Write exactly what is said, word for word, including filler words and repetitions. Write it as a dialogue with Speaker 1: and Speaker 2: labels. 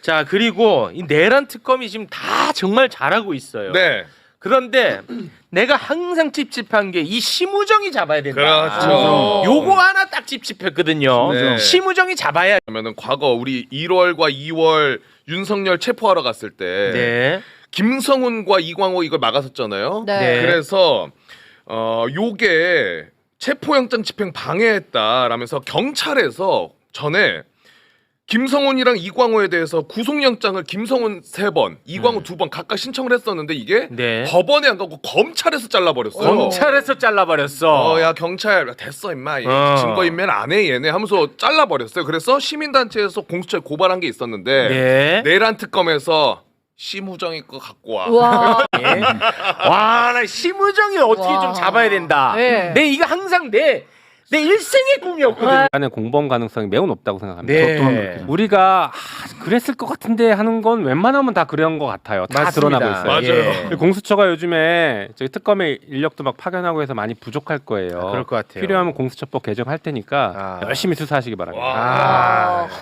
Speaker 1: 자 그리고 이 내란 특검이 지금 다 정말 잘하고 있어요.
Speaker 2: 네.
Speaker 1: 그런데 내가 항상 찝찝한 게 이 심우정이 잡아야 된다.
Speaker 2: 그렇죠.
Speaker 1: 요거 하나 딱 찝찝했거든요.
Speaker 2: 네.
Speaker 1: 심우정이 잡아야.
Speaker 2: 그러면은 과거 우리 일월과 이월 윤석열 체포하러 갔을 때
Speaker 1: 네.
Speaker 2: 김성훈과 이광호 이걸 막았었잖아요.
Speaker 3: 네.
Speaker 1: 네.
Speaker 2: 그래서 어 요게 체포영장 집행 방해했다라면서 경찰에서 전에 김성훈이랑 이광호에 대해서 구속영장을 김성훈 세 번, 이광호
Speaker 1: 음.
Speaker 2: 두 번 각각 신청을 했었는데 이게
Speaker 1: 네.
Speaker 2: 법원에 안 가고 검찰에서 잘라버렸어요.
Speaker 1: 검찰에서 잘라버렸어.
Speaker 2: 어, 야 경찰 됐어 임마 얘
Speaker 1: 어.
Speaker 2: 증거인멸 안 해 얘네 하면서 잘라버렸어요. 그래서 시민단체에서 공수처에 고발한 게 있었는데
Speaker 1: 네.
Speaker 2: 내란 특검에서 심우정이 거 갖고 와.
Speaker 3: 와.
Speaker 1: 예. 와, 나 심우정이 어떻게
Speaker 3: 와.
Speaker 1: 좀 잡아야 된다.
Speaker 3: 네.
Speaker 1: 내 이거 항상 내 내 일생의 꿈이었거든.
Speaker 4: 안에 공범 가능성이 매우 높다고 생각합니다.
Speaker 1: 네.
Speaker 4: 우리가 아, 그랬을 것 같은데 하는 건 웬만하면 다 그런 것 같아요. 다
Speaker 1: 맞습니다.
Speaker 4: 드러나고 있어요.
Speaker 2: 맞아요.
Speaker 1: 예.
Speaker 4: 공수처가 요즘에 저희 특검의 인력도 막 파견하고 해서 많이 부족할 거예요.
Speaker 1: 그럴 것 같아요.
Speaker 4: 필요하면 공수처법 개정할 테니까
Speaker 1: 아.
Speaker 4: 열심히 수사하시기 바랍니다.
Speaker 1: 아.